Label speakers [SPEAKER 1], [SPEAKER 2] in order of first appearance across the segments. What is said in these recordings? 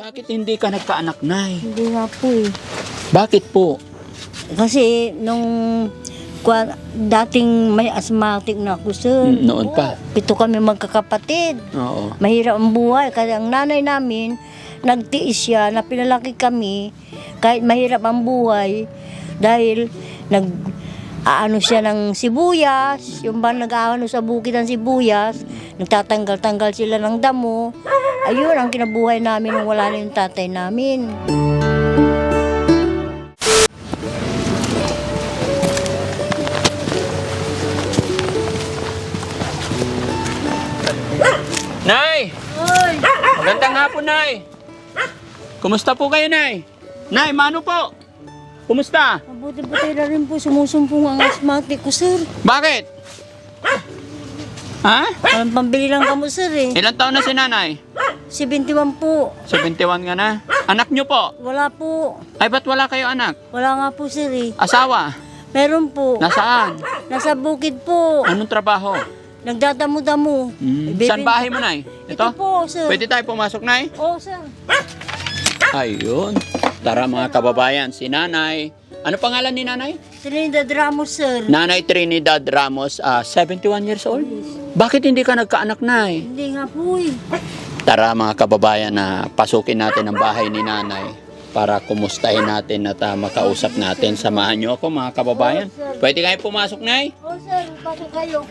[SPEAKER 1] Bakit hindi ka nagkaanak, Nay?
[SPEAKER 2] Hindi nga po eh.
[SPEAKER 1] Bakit po?
[SPEAKER 2] Kasi nung dating may asthmatic na ako, sir.
[SPEAKER 1] Noon pa.
[SPEAKER 2] 7 kami magkakapatid.
[SPEAKER 1] Oo.
[SPEAKER 2] Mahirap ang buhay. Kasi ang nanay namin, nagtiis siya na pinalaki kami kahit mahirap ang buhay dahil aano siya ng sibuyas, yung ba nag-aano sa bukid ng sibuyas, nagtatanggal-tanggal sila ng damo. Ayun ang kinabuhay namin nung wala na yung tatay namin.
[SPEAKER 1] Nay!
[SPEAKER 2] Oy!
[SPEAKER 1] Magandang hapon, Nay! Kumusta po kayo, Nay? Nay, mano po? Kumusta?
[SPEAKER 2] Mabuti-buti na rin po, sumusumpong ang asthmatic ko, sir.
[SPEAKER 1] Bakit? Ha?
[SPEAKER 2] Walang pambili lang kamo, sir eh.
[SPEAKER 1] Ilang taon na si Nanay?
[SPEAKER 2] 71 po.
[SPEAKER 1] 71 ka na? Anak nyo po?
[SPEAKER 2] Wala po.
[SPEAKER 1] Ay, ba't wala kayo anak?
[SPEAKER 2] Wala nga po, sir eh.
[SPEAKER 1] Asawa?
[SPEAKER 2] Meron po.
[SPEAKER 1] Nasaan?
[SPEAKER 2] Nasa bukid po.
[SPEAKER 1] Anong trabaho?
[SPEAKER 2] Nagdadamo-damo.
[SPEAKER 1] Saan bahay mo, Nay?
[SPEAKER 2] Ito po, sir.
[SPEAKER 1] Pwede tayo pumasok, Nay?
[SPEAKER 2] Oo, sir.
[SPEAKER 1] Ayun. Tara mga kababayan, si Nanay. Ano pangalan ni Nanay?
[SPEAKER 2] Trinidad Ramos, sir.
[SPEAKER 1] Nanay Trinidad Ramos, 71 years old. Bakit hindi ka nagkaanak, Nay?
[SPEAKER 2] Hindi nga po eh.
[SPEAKER 1] Tara mga kababayan na pasukin natin ang bahay ni Nanay para kumustahin natin at makausap natin. Samahan niyo ako mga kababayan. Pwede kayo pumasok, Nay?
[SPEAKER 2] Oo, sir. Pasok kayo.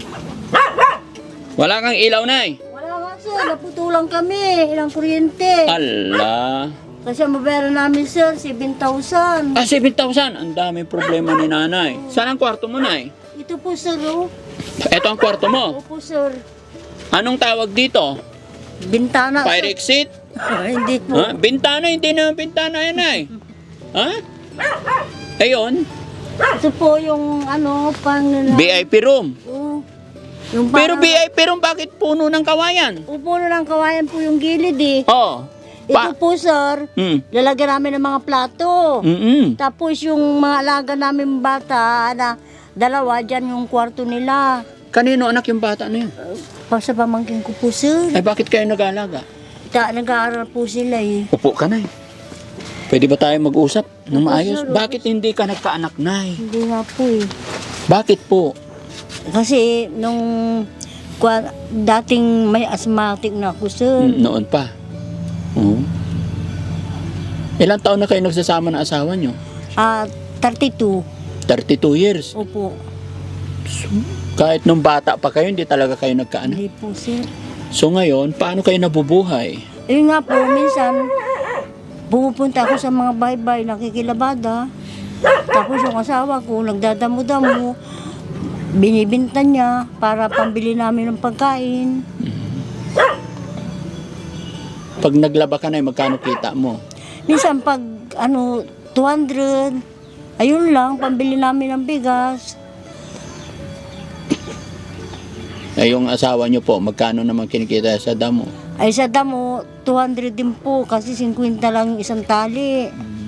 [SPEAKER 1] Wala kang ilaw, Nay?
[SPEAKER 2] Wala nga, sir. Naputulang kami. Ilang kuryente.
[SPEAKER 1] Ala.
[SPEAKER 2] Kasi ang babayaran namin, sir, 7,000.
[SPEAKER 1] 7,000. Ang daming problema ni Nanay. Saan ang kwarto mo, Nay?
[SPEAKER 2] Ito po, sir, oh.
[SPEAKER 1] Ito ang kwarto mo.
[SPEAKER 2] Opo, sir.
[SPEAKER 1] Anong tawag dito?
[SPEAKER 2] Bintana,
[SPEAKER 1] Fire
[SPEAKER 2] sir.
[SPEAKER 1] exit?
[SPEAKER 2] Hindi po.
[SPEAKER 1] Ha? Bintana? Hindi na bintana yan, Nay. Ha? Ayun.
[SPEAKER 2] Ito po yung, ano, pang...
[SPEAKER 1] VIP room.
[SPEAKER 2] Oh, yung
[SPEAKER 1] Pero VIP room, bakit puno ng kawayan?
[SPEAKER 2] Upo na ng kawayan po yung gilid, eh.
[SPEAKER 1] Oh.
[SPEAKER 2] Ito po, sir, lalagyan namin ng mga plato. Tapos yung mga alaga namin bata na 2, dyan yung kwarto nila.
[SPEAKER 1] Kanino anak yung bata na yun?
[SPEAKER 2] Sa pamangkin ko po, sir.
[SPEAKER 1] Ay, bakit kayo nag-aalaga?
[SPEAKER 2] Nag-aaral po sila eh.
[SPEAKER 1] Upo ka, Nay. Pwede ba tayo mag-usap ng maayos?
[SPEAKER 2] sir.
[SPEAKER 1] Bakit hindi ka nagkaanak, Nay?
[SPEAKER 2] Hindi nga po eh.
[SPEAKER 1] Bakit po?
[SPEAKER 2] Kasi nung dating may asthmatic na ako, sir.
[SPEAKER 1] Noon pa. Oo. Ilang taon na kayo nagsasama ng asawa nyo?
[SPEAKER 2] 32.
[SPEAKER 1] 32 years.
[SPEAKER 2] Opo.
[SPEAKER 1] Kahit nung bata pa kayo, hindi talaga kayo nagkaanak.
[SPEAKER 2] Hindi po, sir.
[SPEAKER 1] So ngayon, paano kayo nabubuhay?
[SPEAKER 2] Ayun nga po, minsan, pumupunta ako sa mga baybay, nakikilabada. Tapos yung asawa ko, nagdadamo-damo, binibinta niya para pambili namin ng pagkain.
[SPEAKER 1] Pag naglaba ka na, magkano kita mo?
[SPEAKER 2] Minsan pag 200, ayun lang, pambili namin ng bigas.
[SPEAKER 1] Ay, yung asawa nyo po, magkano naman kinikita sa damo?
[SPEAKER 2] Ay sa damo, 200 din po kasi 50 lang isang tali.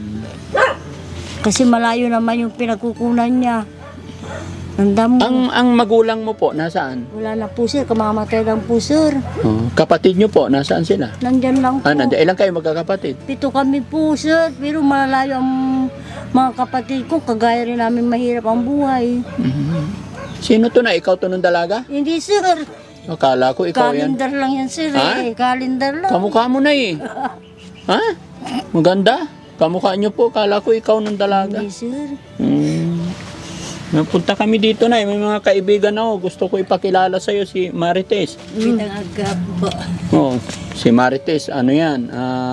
[SPEAKER 2] Kasi malayo naman yung pinagkukunan niya. Ang damo.
[SPEAKER 1] Ang magulang mo po, nasaan?
[SPEAKER 2] Wala na po, sir, kamamatay lang po, sir.
[SPEAKER 1] Kapatid nyo po, nasaan sila?
[SPEAKER 2] Nandyan lang po.
[SPEAKER 1] Nandiyan. Ilang kayo magkakapatid?
[SPEAKER 2] 7 kami po, sir. Pero malayo ang mga kapatid ko. Kagaya rin namin mahirap ang buhay.
[SPEAKER 1] Sino to na? Ikaw to nung dalaga?
[SPEAKER 2] Hindi, sir.
[SPEAKER 1] Akala ko ikaw yan.
[SPEAKER 2] Kalendar lang yan, sir.
[SPEAKER 1] Ha?
[SPEAKER 2] Kalendar lang.
[SPEAKER 1] Kamukha mo na eh. Ha? Maganda. Kamukha nyo po. Akala ko ikaw nung dalaga.
[SPEAKER 2] Hindi, sir.
[SPEAKER 1] Punta kami dito na. May mga kaibigan ako. Gusto ko ipakilala sa'yo si Marites.
[SPEAKER 2] Pinangagap po.
[SPEAKER 1] Oh, si Marites, ano yan?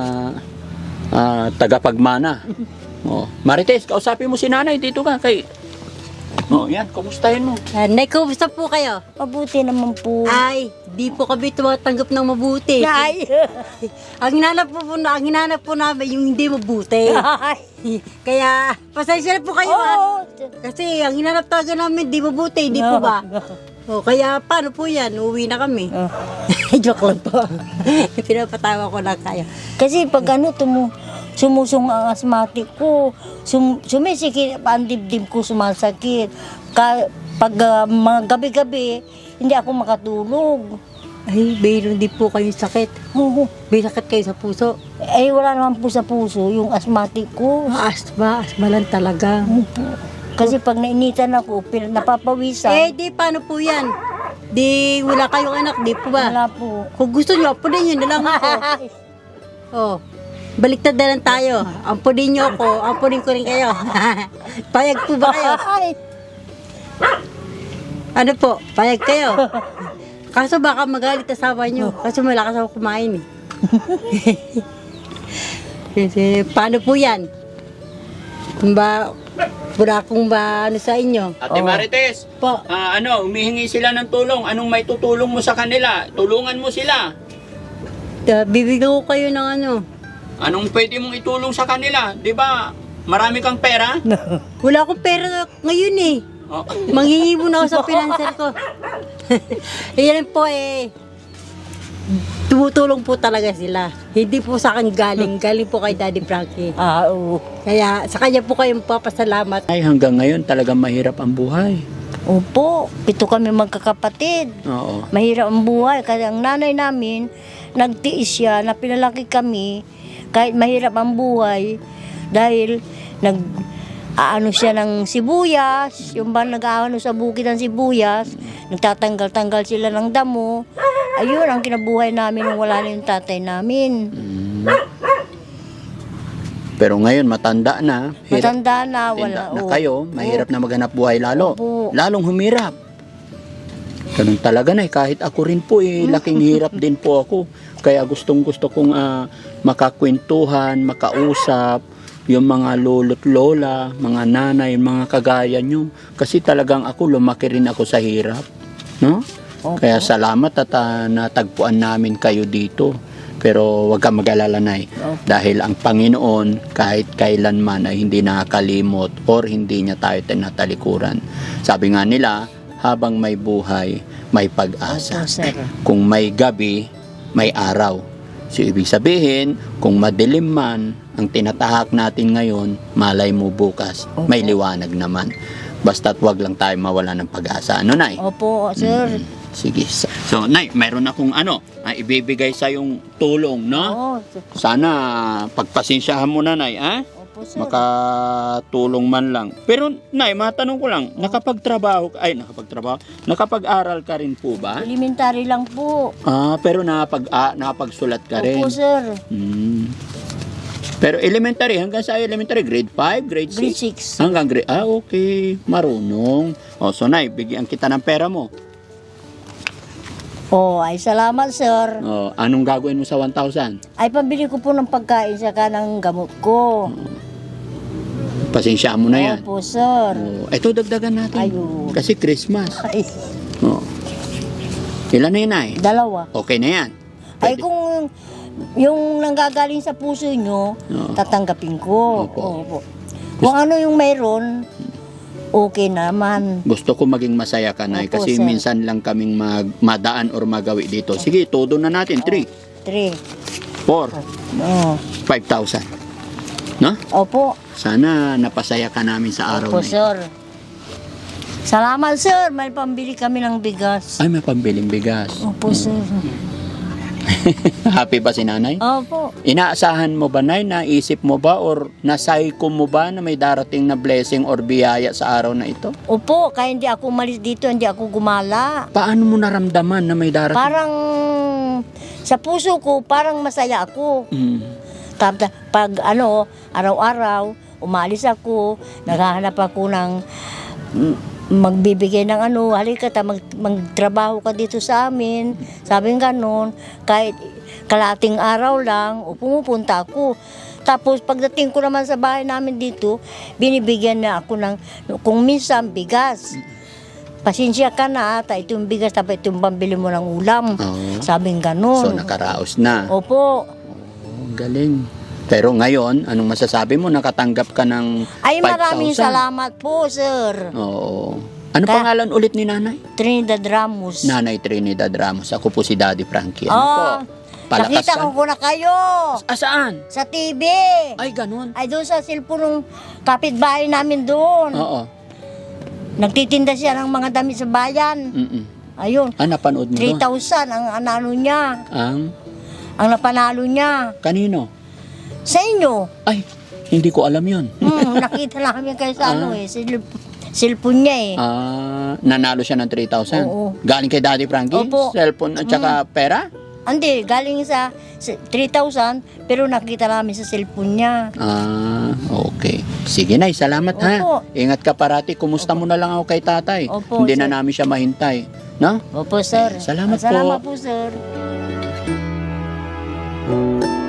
[SPEAKER 1] Tagapagmana. Oh, Marites, kausapin mo si Nanay. Dito ka kay... Oh, yan. Kumustahin mo.
[SPEAKER 3] Nay, kumusta po kayo?
[SPEAKER 2] Mabuti naman po.
[SPEAKER 3] Ay, di po kami tumatanggap ng mabuti.
[SPEAKER 2] Ay!
[SPEAKER 3] ang hinanap po namin yung hindi mabuti. Kaya, pasensya na po kayo.
[SPEAKER 2] Oo.
[SPEAKER 3] Kasi ang hinanap talaga namin di mabuti, hindi po ba? O, kaya paano po yan? Uuwi na kami. Joke lang po. Pinapatawa ko lang kayo.
[SPEAKER 2] Kasi pag sumusong ang asthmatic ko, sumisikip ang dibdib ko, sumasakit. Pag mga gabi-gabi, hindi ako makatulog.
[SPEAKER 3] Ay, mayroon din po kayong sakit.
[SPEAKER 2] Oo.
[SPEAKER 3] May sakit kayo sa puso.
[SPEAKER 2] Eh, wala naman po sa puso, yung asthmatic ko.
[SPEAKER 3] Asma lang talaga.
[SPEAKER 2] Kasi pag nainitan ako, napapawisan.
[SPEAKER 3] Eh, di paano po yan? Di wala kayong anak, di po ba?
[SPEAKER 2] Wala po.
[SPEAKER 3] Kung gusto nyo, apunin nyo na lang ako. Oh, baliktad na lang tayo. Ampunin nyo ako, ampunin ko rin kayo. Payag po ba kayo? Ano po, payag kayo? Kaso baka magalit asawa nyo. Kasi malakas ako kumain eh. Kasi, paano po yan? Wala akong ano sa inyo.
[SPEAKER 1] Ate Marites,
[SPEAKER 3] Po,
[SPEAKER 1] humihingi sila ng tulong. Anong may tutulong mo sa kanila? Tulungan mo sila.
[SPEAKER 3] bibigyan ko kayo ng ano.
[SPEAKER 1] Anong pwede mong itulong sa kanila? Di ba? Marami kang pera?
[SPEAKER 3] Wala akong pera ngayon eh.
[SPEAKER 1] Oh.
[SPEAKER 3] Manghingi muna ako sa pinanser ko. Yan po eh. Tumutulong po talaga sila. Hindi po sa akin galing po kay Daddy Frankie.
[SPEAKER 2] Oo.
[SPEAKER 3] Kaya sa kanya po kayong papasalamat.
[SPEAKER 1] Ay, hanggang ngayon talagang mahirap ang buhay.
[SPEAKER 2] Opo, 7 kami magkakapatid.
[SPEAKER 1] Oo.
[SPEAKER 2] Mahirap ang buhay. Kasi ang nanay namin, nagtiis siya na pinalaki kami kahit mahirap ang buhay dahil aano siya ng sibuyas, yung ba nag-aano sa bukid ng sibuyas, nagtatanggal-tanggal sila ng damo. Ayun ang kinabuhay namin nung wala na yung tatay namin.
[SPEAKER 1] Pero ngayon, matanda na.
[SPEAKER 2] Matanda na,
[SPEAKER 1] Tinda
[SPEAKER 2] wala.
[SPEAKER 1] na kayo, mahirap na maghanap buhay lalo.
[SPEAKER 2] Opo.
[SPEAKER 1] Lalong humirap. Ganun talaga na kahit ako rin po laking hirap din po ako. Kaya gustong gusto kong makakwentuhan, makausap, yung mga lolo't lola, mga nanay, mga kagaya nyo. Kasi talagang ako, lumaki rin ako sa hirap. No?
[SPEAKER 2] Opo.
[SPEAKER 1] Kaya salamat at natagpuan namin kayo dito. Pero wag kang mag-alala, Nay. Dahil ang Panginoon, kahit kailanman ay hindi nakakalimot or hindi niya tayo tinatalikuran. Sabi nga nila, habang may buhay, may pag-asa.
[SPEAKER 2] Opo, sir.
[SPEAKER 1] Kung may gabi, may araw. So, ibig sabihin, kung madilim man ang tinatahak natin ngayon, malay mo bukas, may liwanag naman. Basta't wag lang tayo mawala ng pag-asa. Ano, Nay?
[SPEAKER 2] Opo, sir.
[SPEAKER 1] Sige. So, Nay, mayroon akong ibibigay sa yung tulong, no?
[SPEAKER 2] Oo,
[SPEAKER 1] Sana pagpasensyahan mo na, Nay, ha?
[SPEAKER 2] opo, sir.
[SPEAKER 1] Makatulong man lang. Pero, Nay, matanong ko lang, nakapag-aral ka rin po ba?
[SPEAKER 2] Elementary lang po.
[SPEAKER 1] Pero nakapagsulat ka rin.
[SPEAKER 2] Opo, sir.
[SPEAKER 1] Pero elementary, hanggang sa elementary, grade 5, grade 6?
[SPEAKER 2] Grade 6.
[SPEAKER 1] Hanggang grade, okay, marunong. So, Nay, bigyan kita ng pera mo.
[SPEAKER 2] Oh, ay salamat, sir.
[SPEAKER 1] Anong gagawin mo sa 1,000?
[SPEAKER 2] Ay pambili ko po ng pagkain saka ng gamot ko.
[SPEAKER 1] Pasensya mo na yan.
[SPEAKER 2] Opo, sir.
[SPEAKER 1] Ito, dagdagan natin.
[SPEAKER 2] Ayun.
[SPEAKER 1] Kasi Christmas.
[SPEAKER 2] Ay,
[SPEAKER 1] Ilan na yun, Nay?
[SPEAKER 2] 2.
[SPEAKER 1] Okay na yan.
[SPEAKER 2] Ay kung yung nanggagaling sa puso nyo,
[SPEAKER 1] Oo.
[SPEAKER 2] tatanggapin ko.
[SPEAKER 1] Opo.
[SPEAKER 2] Opo. Kung ano yung mayroon, okay naman.
[SPEAKER 1] Gusto ko maging masaya ka, Nay.
[SPEAKER 2] Opo,
[SPEAKER 1] Kasi
[SPEAKER 2] sir.
[SPEAKER 1] minsan lang kaming madaan or magawi dito. Sige, todo na natin. 3,
[SPEAKER 2] 3.
[SPEAKER 1] 4,
[SPEAKER 2] Oh.
[SPEAKER 1] 5,000. No?
[SPEAKER 2] Opo.
[SPEAKER 1] Sana napasaya ka namin sa araw
[SPEAKER 2] Opo,
[SPEAKER 1] na ito.
[SPEAKER 2] sir. Salamat, sir. May pambili kami ng bigas.
[SPEAKER 1] Ay, may pambiling bigas.
[SPEAKER 2] Opo, sir.
[SPEAKER 1] Happy ba si Nanay?
[SPEAKER 2] Opo.
[SPEAKER 1] Inaasahan mo ba, Nay? Naisip mo ba or nasaiko mo ba na may darating na blessing or biyaya sa araw na ito?
[SPEAKER 2] Opo, kaya hindi ako umalis dito, hindi ako gumala.
[SPEAKER 1] Paano mo naramdaman na may darating?
[SPEAKER 2] Parang sa puso ko, parang masaya ako. Tapos pag araw-araw, umalis ako, naghahanap ako ng magbibigay ng halika magtrabaho ka dito sa amin. Sabi ng ganun, kahit kalating araw lang, pumupunta ako. Tapos pagdating ko naman sa bahay namin dito, binibigyan na ako ng, kung minsan, bigas. Pasensya ka na ata, itong bigas, tapos itong pambili mo ng ulam.
[SPEAKER 1] Oo.
[SPEAKER 2] Sabi ng
[SPEAKER 1] So,
[SPEAKER 2] ganun.
[SPEAKER 1] nakaraos na.
[SPEAKER 2] Opo.
[SPEAKER 1] Ang galing. Pero ngayon, anong masasabi mo? Nakatanggap ka ng 5,000.
[SPEAKER 2] Ay, maraming salamat po, sir.
[SPEAKER 1] Oo. Ano
[SPEAKER 2] Kaya-
[SPEAKER 1] pangalan ulit ni Nanay?
[SPEAKER 2] Trinidad Ramos.
[SPEAKER 1] Nanay Trinidad Ramos. Ako po si Daddy Frankie. Ano po? Palakas
[SPEAKER 2] nakita
[SPEAKER 1] ka.
[SPEAKER 2] ko na kayo
[SPEAKER 1] Saan?
[SPEAKER 2] sa TV.
[SPEAKER 1] Ay, ganun.
[SPEAKER 2] Ay, doon sa cellphone ng kapitbahay namin doon.
[SPEAKER 1] Oo.
[SPEAKER 2] Nagtitinda siya ng mga damit sa bayan. Ayun.
[SPEAKER 1] Napanood mo doon?
[SPEAKER 2] 3,000 ang ano niya.
[SPEAKER 1] Ang
[SPEAKER 2] Napanalo niya.
[SPEAKER 1] kanino?
[SPEAKER 2] Sa inyo.
[SPEAKER 1] Ay, hindi ko alam yun.
[SPEAKER 2] Nakita namin kayo sa cellphone niya eh.
[SPEAKER 1] Nanalo siya ng 3,000?
[SPEAKER 2] Oo.
[SPEAKER 1] Galing kay Daddy Frankie?
[SPEAKER 2] Opo.
[SPEAKER 1] Cellphone at saka pera?
[SPEAKER 2] Hindi, galing sa 3,000 pero nakita namin sa cellphone niya.
[SPEAKER 1] Okay. Sige Nay, salamat ha.
[SPEAKER 2] Opo.
[SPEAKER 1] Ingat ka parati. Kumusta mo na lang ako kay tatay?
[SPEAKER 2] Opo,
[SPEAKER 1] Hindi na
[SPEAKER 2] sir.
[SPEAKER 1] namin siya mahintay. No?
[SPEAKER 2] Opo, sir.
[SPEAKER 1] Salamat po.
[SPEAKER 2] Salamat po, sir.